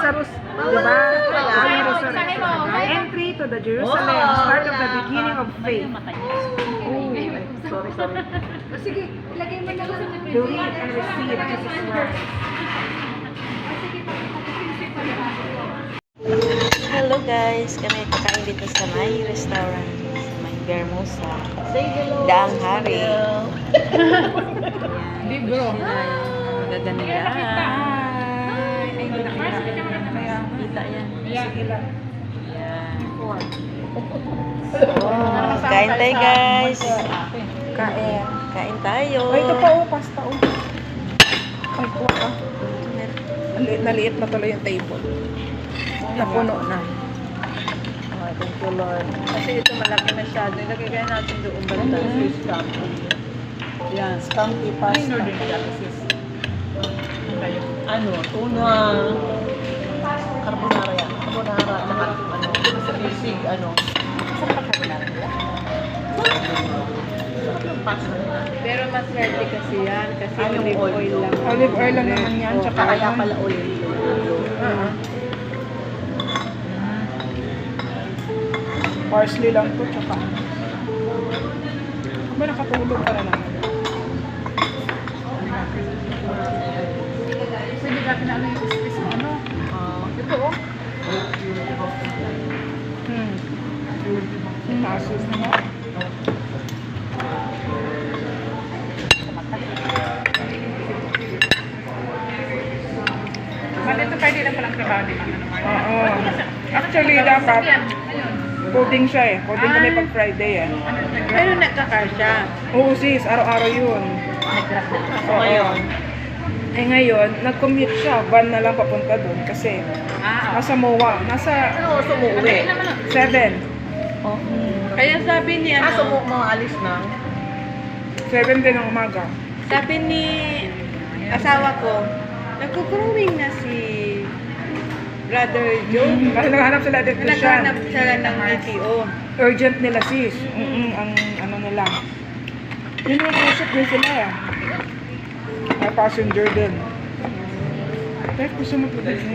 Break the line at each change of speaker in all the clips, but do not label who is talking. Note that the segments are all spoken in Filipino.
Lazarus, di ba? Entry to the Jerusalem, start of the beginning of faith.
Sorry.
Sige, ilagay mo na lang.
Believe and receive Jesus' word.
Hello guys, kami kakain dito sa may restaurant sa may Bermosa. Daang Hari.
Libro.
Magaganda.
Ay,
Kita yan.
sige lang.
Yan. Kain tayo guys.
Kain.
Kain tayo.
Ay, ito pa pasta Ay, kuha ka. Naliit na tuloy yung table. Napuno na.
Oh, thank you, Lord. Kasi ito malaki masyado. Ilagay kaya natin doon banda. Fish scampi. Yan.
Skunky pasta.
Ano? Tuna. Carbonara yan. Carbonara. Sa bisig, Sarap ang carbonara nila. Sarap yung pasta nila.
Pero mas swerte kasi yan. Kasi
Yung
olive oil lang.
Olive oil lang naman yan. Tsaka
Kaya
yan.
pala oil.
Parsley lang to. Tsaka ba nakatulog para naman? Pwede ka pinalo yung space mo, ano? Ito, Tasos na.
Malito pwede lang palang trabaho din.
Oo. Actually, dapat coding siya eh. Coding kami pag Friday eh.
Pero nagkakasya.
Oo sis, araw-araw yun.
So, ngayon,
Eh ngayon, nag-commute siya. Van na lang papunta doon kasi nasa MOA. Nasa
ano gusto mo uwi?
7.
Kaya sabi ni
Kaso mo mga alis na.
7 din ng umaga.
sabi ni asawa ko, nagko-growing na si Brother Joe.
Kasi naghanap sila electrician.
Naghanap sila ng LTO.
Urgent nila sis. Ang ano nila. Yun yung usap din sila eh. May passenger din. Pero gusto mo po din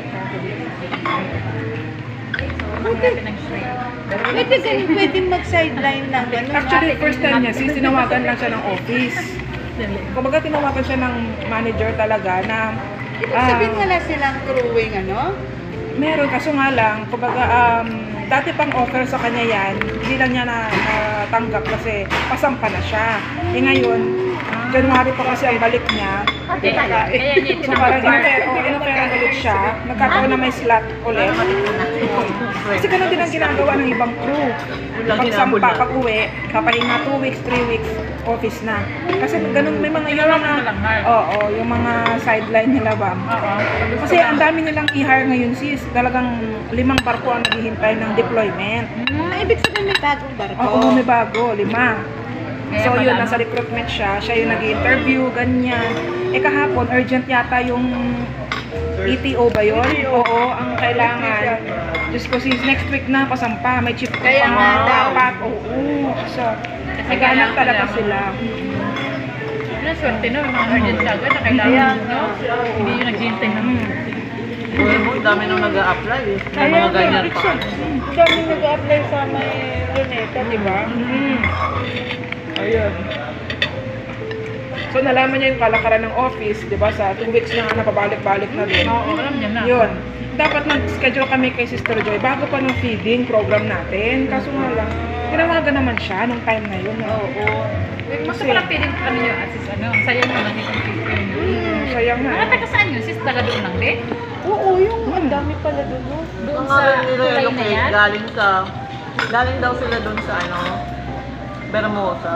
Pwede mag-sideline lang.
Actually, first time niya, sis, tinawagan lang siya ng office. Kumbaga, tinawagan siya ng manager talaga na
Sabihin nga lang silang crewing,
meron, kaso nga lang, kumbaga, dati pang offer sa kanya yan, hindi lang niya natanggap kasi pasampa na siya. Eh ngayon, January pa kasi ang balik niya. So parang inoferan ulit siya, nagkataon na may slot ulit. Kasi ganun din ang ginagawa ng ibang crew. Pagsampa, pag uwi, papahinga 2 weeks, 3 weeks, office na. Kasi ganun, may mga yung yung mga sideline nila ba. Kasi ang dami nilang i-hire ngayon sis, talagang 5 barko ang naghihintay ng deployment.
Ibig sabihin may bagong barko.
Oo, may bago, 5. So yun, nasa recruitment siya yung nag-interview, ganyan. Eh kahapon, urgent yata yung ETO ba yun? Oo, ang kailangan. Diyos ko sis, next week na pasampa, may chip ko
Kaya nga
dapat. Oo, so, naghanap talaga sila.
Ano, swerte no, mga urgent agad na kailangan, no? Hindi yung naghihintay na.
Buhay mo, dami nang nag-a-apply eh. May mga ganyan pa.
Dami nag-apply sa may Luneta, di ba?
Ayun. So, nalaman niya yung kalakaran ng office, di ba? Sa 2 weeks na nga napabalik-balik na din.
Oo, alam niya na.
Yun. Dapat nag-schedule kami kay Sister Joy bago pa ng feeding program natin. Kaso nga lang, tinawagan naman siya nung time na yun. Oo.
Mas pala piling ano yung assist, ang saya naman yung computer.
Sayang na.
Mga taga saan yun? Sis, taga doon lang din?
Oo, yung ang dami pala doon.
Doon
Ang
sa
mga nila
tulay
yung
na yan?
galing daw sila doon sa Bermosa.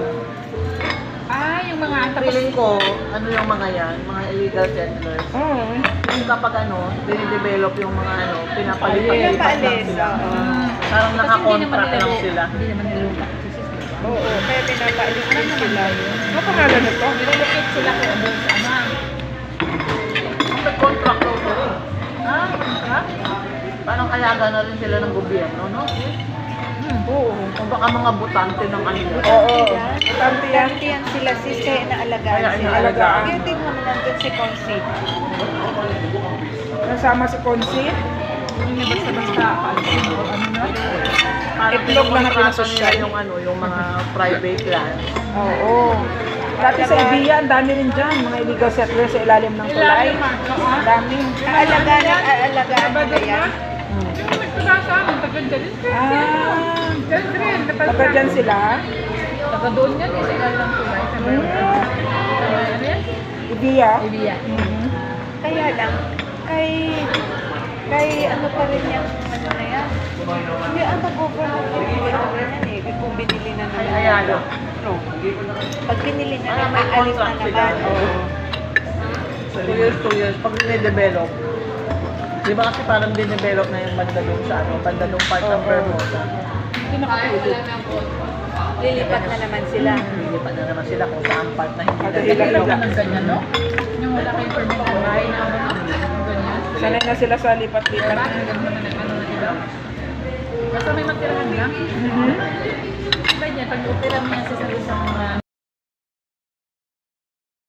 Yung mga tapos
Feeling ko, yung mga yan, mga illegal settlers.
Oo.
Yung kapag dinidevelop yung mga pinapalipat lang
Pinapaalis,
sila.
oo.
Parang nakakontract lang sila.
Hindi naman nilulupa si sis.
Oo.
Kaya pinapaalis din sila.
Ano pangalan nito?
Nilulupit sila kung doon sa
Nag-contract daw sila.
contract?
Parang kayaga na rin sila ng gobyerno, no?
Oo.
Kung baka mga butante ng kanila.
Oo. Tanti yan.
Dati yan sila sis, kaya inaalagaan
Kaya
sila.
inaalagaan.
Kaya tingnan mo nandun si Consi.
Nasama si Consit.
Hindi basta-basta aalisin o ano na. Parang
Itlog lang na
pinakontrata
pinasosyal.
nila yung ano, yung mga private land.
Oo. Dati sa Ibiya, ang dami rin dyan. Mga illegal settlers sa ilalim ng tulay. Ang dami.
Aalagaan nila yan.
Yung nagpasa, taga dyan.
Ah,
Dyan rin,
taga dyan sila.
taga doon yan eh, sa ilalim ng tulay. Sa
Hmm.
ano yan?
Ibiya.
Ibiya.
Mhm.
Kaya lang, kay ano pa rin yung ano na yan. Hindi ang mag-overload yung yan eh. Kung binili na naman.
Ay, ayalo.
No. Pag binili na
Ah,
naman,
may
alis na
contract sila.
naman. Oo.
2 years, pag dine-develop, di ba kasi parang dine-develop na yung bandalong sa ano, bandalong part ng Bermuda.
Hindi nakatulog.
Lilipat na naman sila.
Lilipat na naman sila kung saan part na hindi
Kasi
Kailan
ilan
ka
lang.
ng ganyan, no? Yung wala kayong permit ng bahay na ano, no? Yung ganyan.
Sanay na sila sa lipat-lipat.
Diba? Ganun na ano na sila. Basta may matirahan lang.
Mhm.
Iba niya, pag utira mo yan sa isang